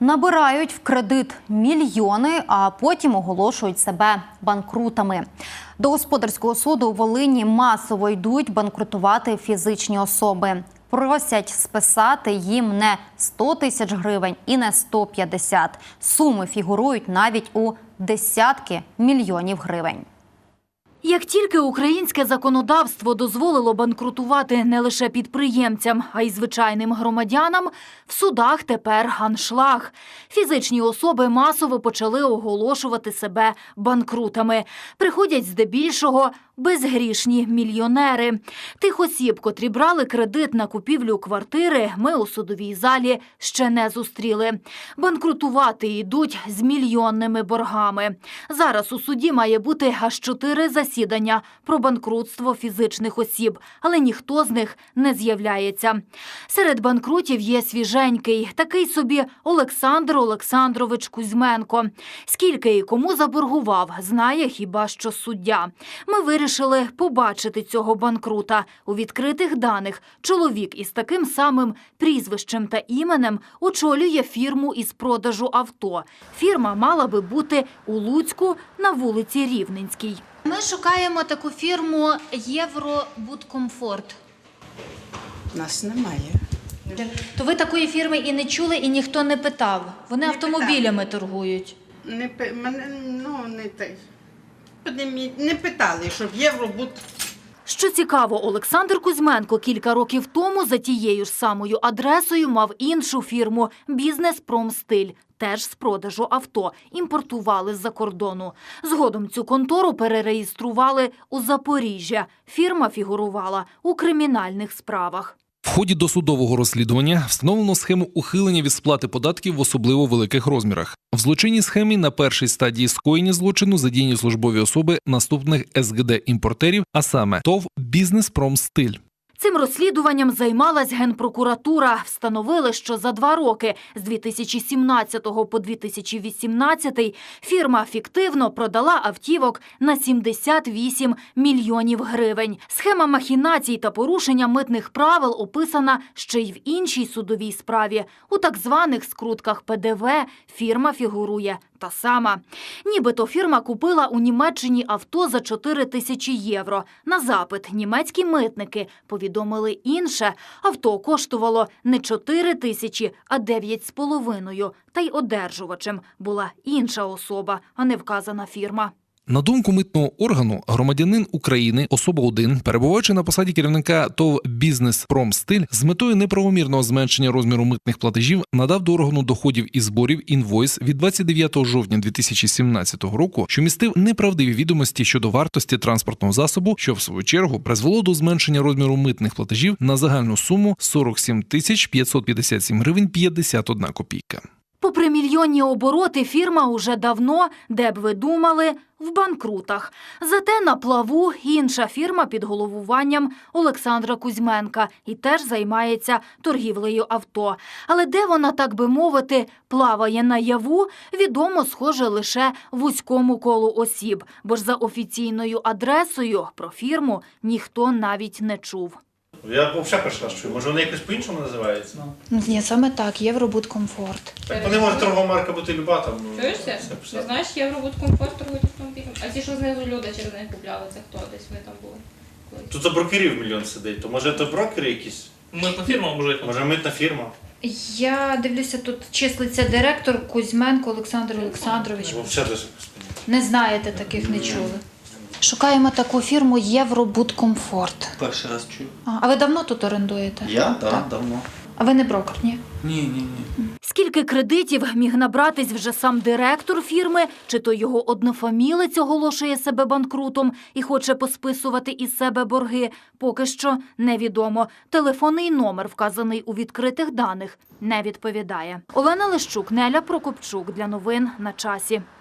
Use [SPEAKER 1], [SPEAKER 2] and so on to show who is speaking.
[SPEAKER 1] Набирають в кредит мільйони, а потім оголошують себе банкрутами. До господарського суду у Волині масово йдуть банкрутувати фізичні особи. Просять списати їм не 100 тисяч гривень і не 150. Суми фігурують навіть у десятки мільйонів гривень.
[SPEAKER 2] Як тільки українське законодавство дозволило банкрутувати не лише підприємцям, а й звичайним громадянам, в судах тепер аншлаг. Фізичні особи масово почали оголошувати себе банкрутами. Приходять здебільшого безгрішні мільйонери. Тих осіб, котрі брали кредит на купівлю квартири, ми у судовій залі ще не зустріли. Банкрутувати йдуть з мільйонними боргами. Зараз у суді має бути аж 4 засідання про банкрутство фізичних осіб, але ніхто з них не з'являється. Серед банкрутів є свіженький, такий собі Олександр Олександрович Кузьменко. Скільки і кому заборгував, знає хіба що суддя. Ми вирішили побачити цього банкрута. У відкритих даних чоловік із таким самим прізвищем та іменем очолює фірму із продажу авто. Фірма мала би бути у Луцьку на вулиці Рівненській.
[SPEAKER 3] Ми шукаємо таку фірму «Євробудкомфорт».
[SPEAKER 4] Нас немає.
[SPEAKER 3] То ви такої фірми і не чули, і ніхто не питав? Вони автомобілями торгують.
[SPEAKER 4] Не питали, щоб Євробуд.
[SPEAKER 2] Що цікаво, Олександр Кузьменко кілька років тому за тією ж самою адресою мав іншу фірму «Бізнес Промстиль». Теж з продажу авто, імпортували з-за кордону. Згодом цю контору перереєстрували у Запоріжжя. Фірма фігурувала у кримінальних справах.
[SPEAKER 5] В ході досудового розслідування встановлено схему ухилення від сплати податків в особливо великих розмірах. В злочинній схемі на першій стадії скоєння злочину задіяні службові особи наступних СГД-імпортерів, а саме ТОВ «Бізнес Промстиль».
[SPEAKER 2] Цим розслідуванням займалась Генпрокуратура. Встановили, що за 2 роки з 2017 по 2018 фірма фіктивно продала автівок на 78 мільйонів гривень. Схема махінацій та порушення митних правил описана ще й в іншій судовій справі. У так званих скрутках ПДВ фірма фігурує та сама. Нібито фірма купила у Німеччині авто за 4 тисячі євро. На запит німецькі митники повідомили інше. Авто коштувало не 4 тисячі, а 9,5. Та й одержувачем була інша особа, а не вказана фірма.
[SPEAKER 5] На думку митного органу, громадянин України, особа 1, перебуваючи на посаді керівника ТОВ «Бізнес Промстиль», з метою неправомірного зменшення розміру митних платежів надав до органу доходів і зборів інвойс від 29 жовтня 2017 року, що містив неправдиві відомості щодо вартості транспортного засобу, що в свою чергу призвело до зменшення розміру митних платежів на загальну суму 47 557 гривень 51 копійка.
[SPEAKER 2] Попри мільйонні обороти, фірма уже давно, де б ви думали, в банкрутах. Зате на плаву інша фірма під головуванням Олександра Кузьменка і теж займається торгівлею авто. Але де вона, так би мовити, плаває наяву, відомо, схоже, лише вузькому колу осіб. Бо ж за офіційною адресою про фірму ніхто навіть не чув.
[SPEAKER 6] Я взагалі перший раз чую. Може, вони якось по-іншому називаються?
[SPEAKER 3] Ні, саме так, «Євробудкомфорт».
[SPEAKER 6] Так вони можуть торгова марка бути люба там.
[SPEAKER 7] Чуєшся? Ти знаєш, Євробудкомфорт торгують автомобілем. А ті, що знизу люди через них купляли, це хто? Десь ви там були? Колись.
[SPEAKER 6] Тут за брокерів мільйон сидить. То може це брокери якісь?
[SPEAKER 8] Митна фірма може.
[SPEAKER 6] Може митна фірма?
[SPEAKER 3] Я дивлюся, тут числиться директор Кузьменко Олександр Олександрович.
[SPEAKER 6] Взагалі даже.
[SPEAKER 3] Не знаєте, таких не чули. Шукаємо таку фірму «Євробудкомфорт».
[SPEAKER 8] Перший раз чую.
[SPEAKER 3] А ви давно тут орендуєте?
[SPEAKER 8] Я? Так, давно.
[SPEAKER 3] А ви не брокер, ні?
[SPEAKER 8] Ні.
[SPEAKER 2] Скільки кредитів міг набратись вже сам директор фірми, чи то його однофамілець оголошує себе банкрутом і хоче посписувати із себе борги, поки що невідомо. Телефонний номер, вказаний у відкритих даних, не відповідає. Олена Лещук, Неля Прокопчук. Для новин на часі.